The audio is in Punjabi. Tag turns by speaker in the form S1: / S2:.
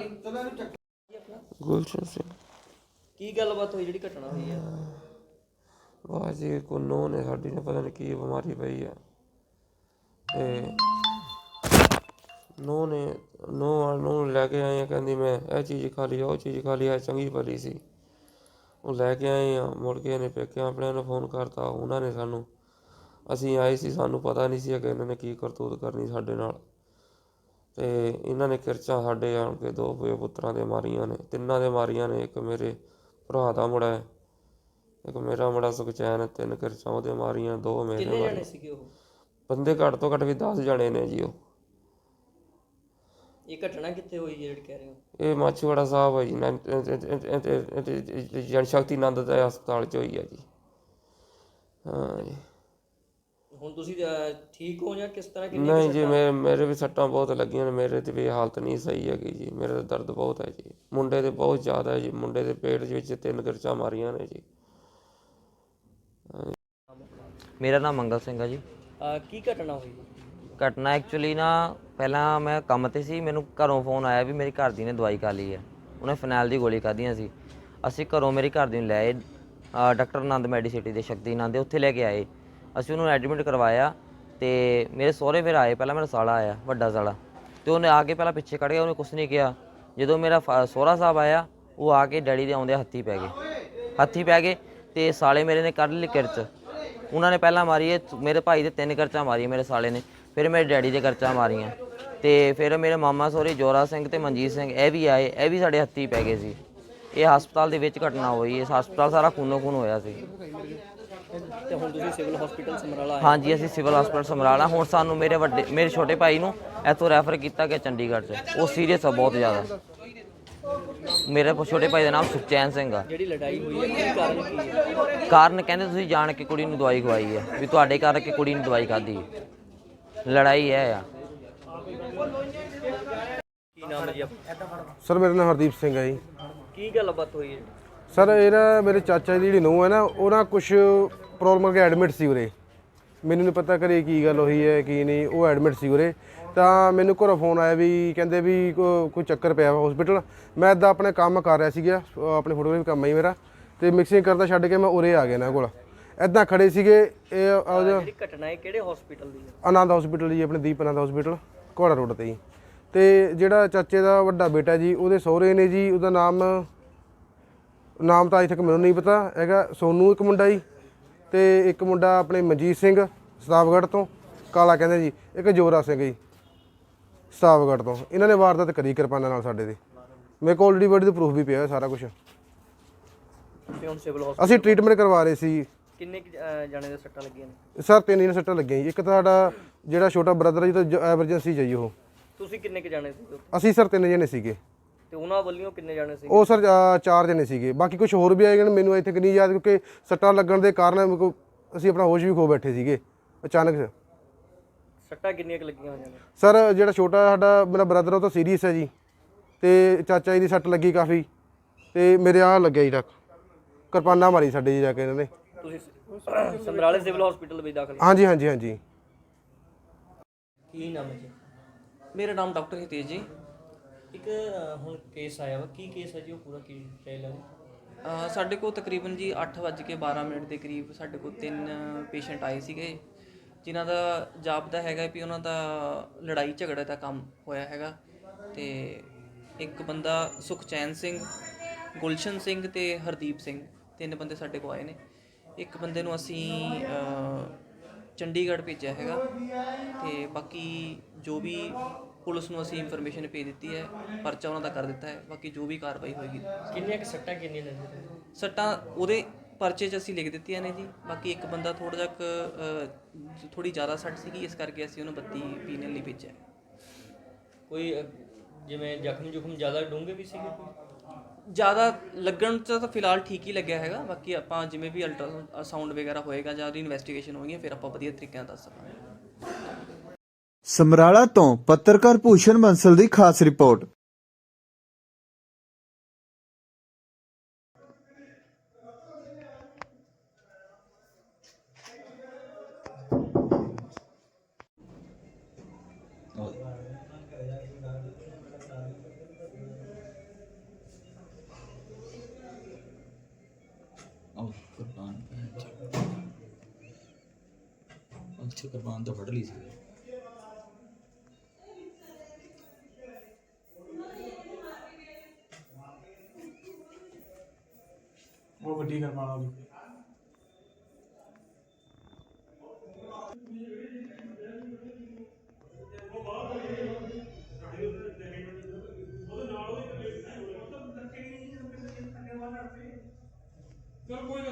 S1: ਗੁਲਸ਼ਨ ਸਿੰਘ।
S2: ਕੀ ਗੱਲਬਾਤ ਹੋਈ ਜਿਹੜੀ ਘਟਨਾ ਹੋਈ ਹੈ?
S1: ਬਸ ਜੀ ਕੋਈ ਨੂੰਹ ਨੇ ਸਾਡੀ ਨੇ ਪਤਾ ਨਹੀਂ ਕੀ ਬਿਮਾਰੀ ਪਈ ਆ, ਤੇ ਨੂੰਹ ਲੈ ਕੇ ਆਏ ਆ, ਕਹਿੰਦੀ ਮੈਂ ਇਹ ਚੀਜ਼ ਖਾ ਲਈ ਉਹ ਚੀਜ਼ ਖਾ ਲਈ, ਇਹ ਚੰਗੀ ਭਲੀ ਸੀ। ਉਹ ਲੈ ਕੇ ਆਏ ਆ, ਮੁੜ ਕੇ ਇਹਨੇ ਪੇਕਿਆਂ ਆਪਣਿਆਂ ਨੂੰ ਫੋਨ ਕਰਤਾ। ਉਹਨਾਂ ਨੇ ਸਾਨੂੰ, ਅਸੀਂ ਆਏ ਸੀ, ਸਾਨੂੰ ਪਤਾ ਨਹੀਂ ਸੀ ਕਿ ਇਹਨਾਂ ਨੇ ਕੀ ਕਰਤੂਤ ਕਰਨੀ ਸਾਡੇ ਨਾਲ। ਅਤੇ ਇਹਨਾਂ ਨੇ ਕਿਰਚਾਂ ਸਾਡੇ ਆਣ ਕੇ 2 ਪੁੱਤਰਾਂ ਦੇ ਮਾਰੀਆਂ ਨੇ, 3 ਦੇ ਮਾਰੀਆਂ ਨੇ। ਇੱਕ ਮੇਰੇ ਭਰਾ ਦਾ ਮੁੰਡਾ ਹੈ, ਇੱਕ ਮੇਰਾ ਮੁੰਡਾ ਸੁਖਚੈਨ, 3 ਕਿਰਚਾਂ ਉਹਦੇ ਮਾਰੀਆਂ, 2 ਮੇਰੇ
S2: ਕਿੰਨੇ
S1: ਮਾਰੀਆਂ।
S2: ਜਣੇ ਸੀਗੇ ਉਹ?
S1: ਬੰਦੇ ਘੱਟ ਤੋਂ ਘੱਟ ਵੀ 10 ਜਣੇ ਨੇ ਜੀ। ਉਹ
S2: ਇਹ ਘਟਨਾ ਕਿੱਥੇ ਹੋਈ ਜਿਹੜੀ ਕਹਿ ਰਹੇ ਹੋ?
S1: ਇਹ ਮਾਛੀਵਾੜਾ ਸਾਹਿਬ ਹੈ ਜੀ, ਜਨ ਸ਼ਕਤੀ ਆਨੰਦ ਦਾ ਹਸਪਤਾਲ 'ਚ ਹੋਈ ਹੈ ਜੀ। ਹਾਂ ਜੀ।
S2: ਹੁਣ ਤੁਸੀਂ ਠੀਕ ਹੋ ਜਾਂ ਕਿਸ ਤਰ੍ਹਾਂ?
S1: ਨਹੀਂ ਜੀ, ਮੇਰੇ ਵੀ ਸੱਟਾਂ ਬਹੁਤ ਲੱਗੀਆਂ ਨੇ, ਮੇਰੇ ਤੇ ਵੀ ਹਾਲਤ ਨਹੀਂ ਸਹੀ ਹੈਗੀ ਜੀ। ਮੇਰੇ ਤਾਂ ਦਰਦ ਬਹੁਤ ਹੈ ਜੀ, ਮੁੰਡੇ ਦੇ ਬਹੁਤ ਜ਼ਿਆਦਾ ਹੈ ਜੀ। ਮੁੰਡੇ ਦੇ ਪੇਟ ਵਿੱਚ 3 ਕਿਰਚਾਂ ਮਾਰੀਆਂ ਨੇ ਜੀ।
S3: ਮੇਰਾ ਨਾਮ ਮੰਗਲ ਸਿੰਘ ਆ ਜੀ।
S2: ਕੀ ਘਟਨਾ ਹੋਈ?
S3: ਘਟਨਾ ਐਕਚੁਅਲੀ ਨਾ, ਪਹਿਲਾਂ ਮੈਂ ਕੰਮ 'ਤੇ ਸੀ, ਮੈਨੂੰ ਘਰੋਂ ਫੋਨ ਆਇਆ ਵੀ ਮੇਰੀ ਘਰ ਦੀ ਨੇ ਦਵਾਈ ਖਾ ਲਈ ਹੈ। ਉਹਨੇ ਫਨੈਲ ਦੀ ਗੋਲੀ ਖਾਧੀਆਂ ਸੀ। ਅਸੀਂ ਘਰੋਂ ਮੇਰੀ ਘਰ ਦੀ ਨੂੰ ਲੈ ਆਏ ਡਾਕਟਰ ਆਨੰਦ ਮੈਡੀਸਿਟੀ ਦੇ, ਸ਼ਕਤੀ ਆਨੰਦ ਦੇ, ਉੱਥੇ ਲੈ ਕੇ ਆਏ। ਅਸੀਂ ਉਹਨੂੰ ਐਡਮਿਟ ਕਰਵਾਇਆ, ਅਤੇ ਮੇਰੇ ਸਹੁਰੇ ਫਿਰ ਆਏ। ਪਹਿਲਾਂ ਮੇਰਾ ਸਾਲਾ ਆਇਆ, ਵੱਡਾ ਸਾਲਾ, ਅਤੇ ਉਹਨੇ ਆ ਕੇ ਪਹਿਲਾਂ ਪਿੱਛੇ ਕੱਢ ਗਿਆ, ਉਹਨੇ ਕੁਛ ਨਹੀਂ ਕਿਹਾ। ਜਦੋਂ ਮੇਰਾ ਸਹੁਰਾ ਸਾਹਿਬ ਆਇਆ, ਉਹ ਆ ਕੇ ਡੈਡੀ ਦੇ ਆਉਂਦੇ ਹੱਥੀ ਪੈ ਗਏ, ਅਤੇ ਸਾਲੇ ਮੇਰੇ ਨੇ ਕੱਢ ਲਈ ਕਿਰਚ। ਉਹਨਾਂ ਨੇ ਪਹਿਲਾਂ ਮਾਰੀ ਹੈ ਮੇਰੇ ਭਾਈ ਦੇ 3 ਕਿਰਚਾਂ ਮਾਰੀਆਂ ਮੇਰੇ ਸਾਲੇ ਨੇ, ਫਿਰ ਮੇਰੇ ਡੈਡੀ ਦੇ ਕਿਰਚਾਂ ਮਾਰੀਆਂ। ਅਤੇ ਫਿਰ ਮੇਰੇ ਮਾਮਾ ਸਹੁਰੇ ਜੋਰਾ ਸਿੰਘ ਅਤੇ ਮਨਜੀਤ ਸਿੰਘ ਇਹ ਵੀ ਆਏ, ਇਹ ਵੀ ਸਾਡੇ ਹੱਥੀ ਪੈ ਗਏ ਸੀ। ਇਹ ਹਸਪਤਾਲ ਦੇ ਵਿੱਚ ਘਟਨਾ ਹੋਈ। ਇਸ ਹਸਪਤਾਲ ਸਾਰਾ ਖੂਨੋ ਖੂਨ ਹੋਇਆ ਸੀ।
S2: ਤੇ ਹੁਣ ਤੁਸੀਂ ਸਿਵਲ ਹਸਪੀਟਲ ਸਮਰਾਲਾ ਆਏ?
S3: ਹਾਂਜੀ, ਅਸੀਂ ਸਿਵਲ ਹਸਪਤਾਲ ਸਮਰਾਲਾ। ਹੁਣ ਸਾਨੂੰ ਮੇਰੇ ਛੋਟੇ ਭਾਈ ਨੂੰ ਇੱਥੋਂ ਰੈਫਰ ਕੀਤਾ ਗਿਆ ਚੰਡੀਗੜ੍ਹ 'ਚ। ਉਹ ਸੀਰੀਅਸ ਆ ਬਹੁਤ ਜ਼ਿਆਦਾ। ਮੇਰੇ ਛੋਟੇ ਭਾਈ ਦਾ ਨਾਮ ਸੁਖਚੈਨ ਸਿੰਘ ਆ।
S2: ਜਿਹੜੀ ਲੜਾਈ ਹੋਈ ਹੈ ਕੀ ਕਾਰਨ ਕੀ ਹੈ?
S3: ਕਾਰਨ ਕਹਿੰਦੇ ਤੁਸੀਂ ਜਾਣ ਕੇ ਕੁੜੀ ਨੂੰ ਦਵਾਈ ਖਵਾਈ ਹੈ, ਵੀ ਤੁਹਾਡੇ ਕਰਕੇ ਕੁੜੀ ਨੂੰ ਦਵਾਈ ਖਾਧੀ। ਲੜਾਈ ਇਹ ਆ।
S2: ਕੀ ਨਾਮ ਹੈ ਜੀ ਆਪਣਾ?
S4: ਸਰ ਮੇਰਾ ਨਾਮ ਹਰਦੀਪ ਸਿੰਘ ਹੈ ਜੀ।
S2: ਕੀ ਗੱਲਬਾਤ ਹੋਈ ਹੈ?
S4: ਸਰ ਇਹ ਨਾ ਮੇਰੇ ਚਾਚਾ ਦੀ ਜਿਹੜੀ ਨੂੰਹ ਹੈ ਨਾ, ਉਹ ਨਾ ਕੁਛ ਪ੍ਰੋਬਲਮ ਕਰਕੇ ਐਡਮਿਟ ਸੀ ਉਰੇ। ਮੈਨੂੰ ਨਹੀਂ ਪਤਾ ਘਰੇ ਕੀ ਗੱਲ ਹੋਈ ਹੈ ਕੀ ਨਹੀਂ, ਉਹ ਐਡਮਿਟ ਸੀ ਉਰੇ। ਤਾਂ ਮੈਨੂੰ ਘਰੋਂ ਫੋਨ ਆਇਆ ਵੀ ਕਹਿੰਦੇ ਵੀ ਕੋਈ ਚੱਕਰ ਪਿਆ ਹਸਪੀਟਲ। ਮੈਂ ਇੱਦਾਂ ਆਪਣੇ ਕੰਮ ਕਰ ਰਿਹਾ ਸੀਗਾ, ਆਪਣੇ ਫੋਟੋਗ੍ਰਾਫੀ ਕੰਮ ਹੈ ਮੇਰਾ, ਅਤੇ ਮਿਕਸਿੰਗ ਕਰਦਾ ਛੱਡ ਕੇ ਮੈਂ ਉਰੇ ਆ ਗਿਆ ਇਹਨਾਂ ਕੋਲ। ਇੱਦਾਂ ਖੜੇ ਸੀਗੇ। ਇਹ
S2: ਜਿਹੜੀ ਘਟਨਾ ਹੈ ਕਿਹੜੇ ਹਸਪੀਟਲ ਦੀ ਹੈ?
S4: ਆਨੰਦ ਹਸਪੀਟਲ ਜੀ, ਆਪਣੇ ਦੀਪ ਆਨੰਦ ਹਸਪੀਟਲ ਘੋੜਾ ਰੋਡ 'ਤੇ ਜੀ। ਅਤੇ ਜਿਹੜਾ ਚਾਚੇ ਦਾ ਵੱਡਾ ਬੇਟਾ ਜੀ, ਉਹਦੇ ਸਹੁਰੇ ਨੇ ਜੀ, ਉਹਦਾ ਨਾਮ ਤਾਂ ਅਜੇ ਤੱਕ ਮੈਨੂੰ ਨਹੀਂ ਪਤਾ ਹੈਗਾ। ਸੋਨੂ ਇੱਕ ਮੁੰਡਾ ਜੀ, ਅਤੇ ਇੱਕ ਮੁੰਡਾ ਆਪਣੇ ਮਨਜੀਤ ਸਿੰਘ ਸਤਾਵਗੜ੍ਹ ਤੋਂ, ਕਾਲਾ ਕਹਿੰਦੇ ਜੀ। ਇੱਕ ਜੋਰਾ ਸਿੰਘ ਜੀ ਸਤਾਵਗੜ੍ਹ ਤੋਂ। ਇਹਨਾਂ ਨੇ ਵਾਰਦਾਤ ਕਰੀ ਕਿਰਪਾਨਾਂ ਨਾਲ ਸਾਡੇ 'ਤੇ। ਮੇਰੇ ਕੋਲ ਆਲਰੇਡੀ ਬੋਡੀ ਦਾ ਪ੍ਰੂਫ ਵੀ ਪਿਆ ਹੋਇਆ ਸਾਰਾ ਕੁਛ।
S2: ਹੁਣ ਸਿਵਲ ਹਸਪੀਟਲ
S4: ਅਸੀਂ ਟ੍ਰੀਟਮੈਂਟ ਕਰਵਾ ਰਹੇ ਸੀ।
S2: ਕਿੰਨੇ ਜਾਣੇ ਦੇ ਸੱਟਾਂ ਲੱਗੀਆਂ ਨੇ?
S4: ਸਰ 3 ਜਣੇ ਸੱਟਾਂ ਲੱਗੀਆਂ ਜੀ। ਇੱਕ ਤਾਂ ਸਾਡਾ ਜਿਹੜਾ ਛੋਟਾ ਬ੍ਰਦਰ ਹੈ ਜੀ, ਤਾਂ ਐਮਰਜੈਂਸੀ 'ਚ ਜੀ ਉਹ।
S2: ਤੁਸੀਂ ਕਿੰਨੇ ਕੁ ਜਾਣੇ ਸੀ?
S4: ਅਸੀਂ ਸਰ 3 ਜਣੇ ਸੀਗੇ।
S2: ਤੇ ਉਹਨਾਂ ਵੱਲੋਂ ਕਿੰਨੇ ਜਾਣੇ ਸੀ?
S4: ਉਹ ਸਰ 4 ਜਣੇ ਸੀਗੇ। ਬਾਕੀ ਕੁਝ ਹੋਰ ਵੀ ਆਏ ਗਏ, ਮੈਨੂੰ ਇੱਥੇ ਨਹੀਂ ਯਾਦ, ਕਿਉਂਕਿ ਸੱਟਾਂ ਲੱਗਣ ਦੇ ਕਾਰਨ ਅਸੀਂ ਆਪਣਾ ਹੋਸ਼ ਵੀ ਖੋ ਬੈਠੇ ਸੀਗੇ ਅਚਾਨਕ।
S2: ਸੱਟਾਂ ਕਿੰਨੀਆਂ ਕੁ ਲੱਗੀਆਂ ਹੋਈਆਂ ਨੇ?
S4: ਸਰ ਜਿਹੜਾ ਛੋਟਾ ਸਾਡਾ ਮੇਰਾ ਬ੍ਰਦਰ, ਉਹ ਤਾਂ ਸੀਰੀਅਸ ਹੈ ਜੀ, ਅਤੇ ਚਾਚਾ ਜੀ ਦੀ ਸੱਟ ਲੱਗੀ ਕਾਫੀ, ਅਤੇ ਮੇਰੇ ਆਹ ਲੱਗਿਆ ਜੀ ਤੱਕ ਕਿਰਪਾਨਾਂ ਮਾਰੀ ਸਾਡੇ ਜੀ ਜਾ ਕੇ ਇਹਨਾਂ ਨੇ।
S2: ਤੁਸੀਂ ਸਮਰਾਲੇ ਸਿਵਲ ਹਸਪੀਟਲ ਵਿੱਚ ਦਾਖਲ?
S4: ਹਾਂਜੀ ਹਾਂਜੀ ਹਾਂਜੀ।
S2: ਕੀ ਨਾਮ ਹੈ ਜੀ?
S5: ਮੇਰਾ ਨਾਮ ਡਾਕਟਰ ਹਿਤੇਸ਼ ਜੀ।
S2: ਇੱਕ ਹੁਣ ਕੇਸ ਆਇਆ ਵਾ, ਕੀ ਕੇਸ ਹੈ ਜੀ ਉਹ? ਪੂਰਾ ਕੀ ਡਿਟੇਲ ਹੈ?
S5: ਸਾਡੇ ਕੋਲ ਤਕਰੀਬਨ ਜੀ 8:12 ਦੇ ਕਰੀਬ ਸਾਡੇ ਕੋਲ 3 ਪੇਸ਼ੈਂਟ ਆਏ ਸੀਗੇ, ਜਿਨ੍ਹਾਂ ਦਾ ਜਾਪਦਾ ਹੈਗਾ ਵੀ ਉਹਨਾਂ ਦਾ ਲੜਾਈ ਝਗੜੇ ਦਾ ਕੰਮ ਹੋਇਆ ਹੈਗਾ। ਅਤੇ ਇੱਕ ਬੰਦਾ ਸੁਖਚੈਨ ਸਿੰਘ, ਗੁਲਸ਼ਨ ਸਿੰਘ ਅਤੇ ਹਰਦੀਪ ਸਿੰਘ, 3 ਬੰਦੇ ਸਾਡੇ ਕੋਲ ਆਏ ਨੇ। ਇੱਕ ਬੰਦੇ ਨੂੰ ਅਸੀਂ ਚੰਡੀਗੜ੍ਹ ਭੇਜਿਆ ਹੈਗਾ, ਅਤੇ ਬਾਕੀ ਜੋ ਵੀ ਪੁਲਿਸ ਨੂੰ ਅਸੀਂ ਇਨਫੋਰਮੇਸ਼ਨ ਭੇਜ ਦਿੱਤੀ ਹੈ, ਪਰਚਾ ਉਹਨਾਂ ਦਾ ਕਰ ਦਿੱਤਾ ਹੈ। ਬਾਕੀ ਜੋ ਵੀ ਕਾਰਵਾਈ ਹੋਏਗੀ।
S2: ਕਿੰਨੀਆਂ ਕੁ ਸੱਟਾਂ ਕਿੰਨੀਆਂ ਨੇ?
S5: ਸੱਟਾਂ ਉਹਦੇ ਪਰਚੇ 'ਚ ਅਸੀਂ ਲਿਖ ਦਿੱਤੀਆਂ ਨੇ ਜੀ। ਬਾਕੀ ਇੱਕ ਬੰਦਾ ਥੋੜ੍ਹੀ ਜ਼ਿਆਦਾ ਸੱਟ ਸੀਗੀ, ਇਸ ਕਰਕੇ ਅਸੀਂ ਉਹਨੂੰ 32 ਪੀਣ ਲਈ ਭੇਜਿਆ।
S2: ਕੋਈ ਜਿਵੇਂ ਜ਼ਖਮ ਜ਼ਿਆਦਾ ਡੂੰਘੇ ਵੀ ਸੀਗੇ?
S5: ਜ਼ਿਆਦਾ ਲੱਗਣ 'ਚ ਤਾਂ ਫਿਲਹਾਲ ਠੀਕ ਹੀ ਲੱਗਿਆ ਹੈਗਾ। ਬਾਕੀ ਆਪਾਂ ਜਿਵੇਂ ਵੀ ਅਲਟਰਾਸਾਊਂਡ ਵਗੈਰਾ ਹੋਏਗਾ ਜਾਂ ਉਹਦੀ ਇਨਵੈਸਟੀਗੇਸ਼ਨ ਹੋਏਗੀ, ਫਿਰ ਆਪਾਂ ਵਧੀਆ ਤਰੀਕੇ ਨਾਲ ਦੱਸ ਸਕਾਂਗੇ।
S6: ਸਮਰਾਲਾ ਤੋਂ ਪੱਤਰਕਾਰ ਭੂਸ਼ਣ ਬੰਸਲ ਦੀ ਖਾਸ ਰਿਪੋਰਟ।
S7: ਕੁਰਬਾਨ ਅੱਛਾ ਕੁਰਬਾਨ ਤਾਂ ਫੜ ਲਈ ਸੀ।
S8: ਉਹ ਵੱਡੀ ਕਰਵਾਣਾ ਉਹਦੀ ਚਲ ਕੋਈ